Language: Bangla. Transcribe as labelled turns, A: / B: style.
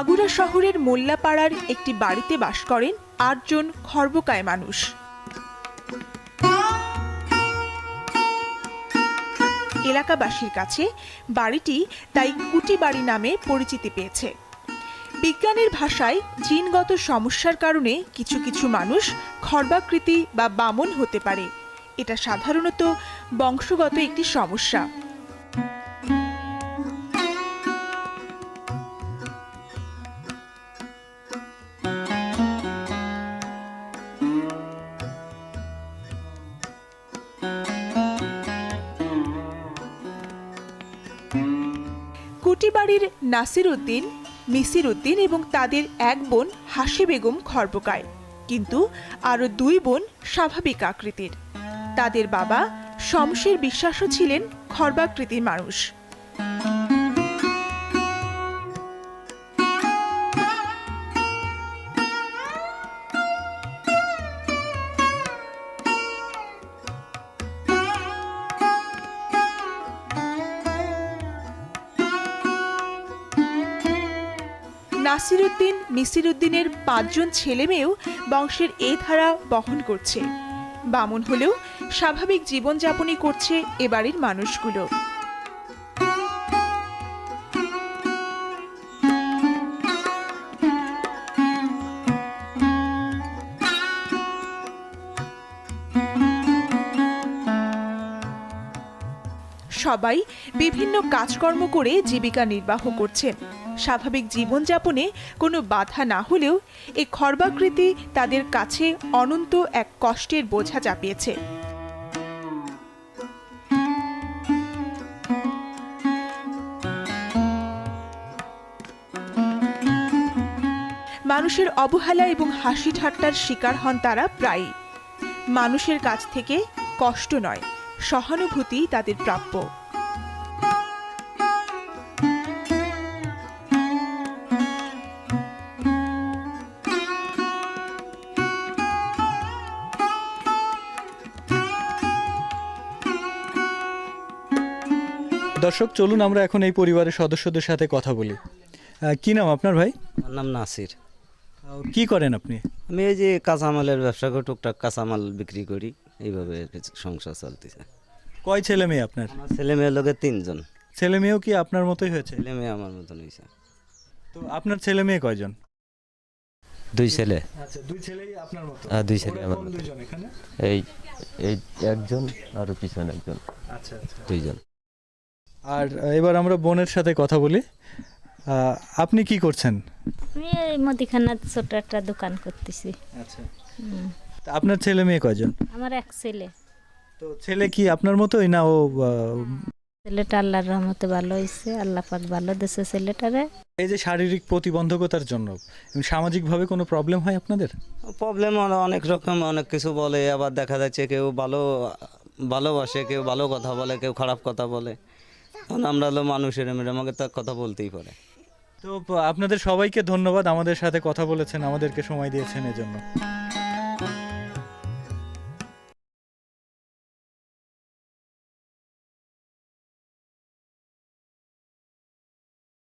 A: মাগুরা শহরের মোল্লাপাড়ার একটি বাড়িতে বাস করেন ৮ জন খর্বকায় মানুষ। এলাকাবাসীর কাছে বাড়িটি তাই কুটি বাড়ি নামে পরিচিতি পেয়েছে। বিজ্ঞানের ভাষায় জিনগত সমস্যার কারণে কিছু কিছু মানুষ খর্বাকৃতি বা বামন হতে পারে। এটা সাধারণত বংশগত একটি সমস্যা। কুটিবাড়ির নাসির উদ্দিন, মিসির উদ্দিন এবং তাদের এক বোন হাসি বেগম খর্বকায়, কিন্তু আরও 2 বোন স্বাভাবিক আকৃতির। তাদের বাবা শমশের বিশ্বাসও ছিলেন খর্বাকৃতির মানুষ। নাসির উদ্দিন, মিসির উদ্দিনের 5 জন ছেলে মেয়েও বংশের এই ধারা বহন করছে। বামন হলেও স্বাভাবিক জীবনযাপনই করছে এ বাড়ির মানুষগুলো। সবাই বিভিন্ন কাজকর্ম করে জীবিকা নির্বাহ করছেন। স্বাভাবিক জীবনযাপনে কোনো বাধা না হলেও এই খর্বাকৃতি তাদের কাছে অনন্ত এক কষ্টের বোঝা চাপিয়েছে। মানুষের অবহেলা এবং হাসি ঠাট্টার শিকার হন তারা প্রায়ই। মানুষের কাছ থেকে কষ্ট নয়, সহানুভূতি তাদের প্রাপ্য।
B: দর্শক, চলুন আমরা এখন এই পরিবারের সদস্যদের সাথে কথা বলি। কি নাম আপনার ভাই?
C: আমার নাম নাসির।
B: কি করেন আপনি?
C: আমি এই যে কাঁচামালের ব্যবসা করি, টুকটাক কাঁচামাল বিক্রি করি, এইভাবে সংসার চলতেছে।
B: কয় ছেলে মেয়ে আপনার?
C: আমার ছেলে মেয়ের লোকের 3 জন।
B: ছেলে মেয়েও কি আপনার মতোই হয়েছে?
C: ছেলে মেয়ে আমার মতন হয়েছে।
B: তো আপনার ছেলে মেয়ে কয়জন?
C: 2 ছেলে।
B: আচ্ছা, 2 ছেলেই আপনার মতো?
C: হ্যাঁ, 2 ছেলে আমার মতো।
B: 2 জন এখানে?
C: এই এই একজন আর পিছনে একজন।
B: আচ্ছা আচ্ছা,
C: 2 জন।
B: আর এবার আমরা বোনের সাথে কথা বলি। আপনি কি করছেন?
D: আমি এই মুদিখানার ছোট একটা দোকান করতেছি।
B: আচ্ছা, তা আপনার ছেলে মেয়ে কয়জন?
D: আমার এক ছেলে।
B: তো ছেলে কি আপনার মতোই না ও?
D: ছেলেটা আল্লাহর রহমতে ভালো হয়েছে, আল্লাহ পাক ভালো দিয়েছে ছেলেটারে।
B: এই যে শারীরিক প্রতিবন্ধকতার জন্য সামাজিকভাবে কোনো প্রবলেম হয় আপনাদের?
C: প্রবলেম অনেক রকম, অনেক কিছু বলে। আবার দেখা যাচ্ছে কেউ ভালোবাসে, কেউ ভালো কথা বলে, কেউ খারাপ কথা বলে। তখন আমরা হলো মানুষের, আমাকে তো কথা বলতেই পারে।
B: তো আপনাদের সবাইকে ধন্যবাদ, আমাদের সাথে কথা বলেছেন, আমাদেরকে সময় দিয়েছেন এজন্য।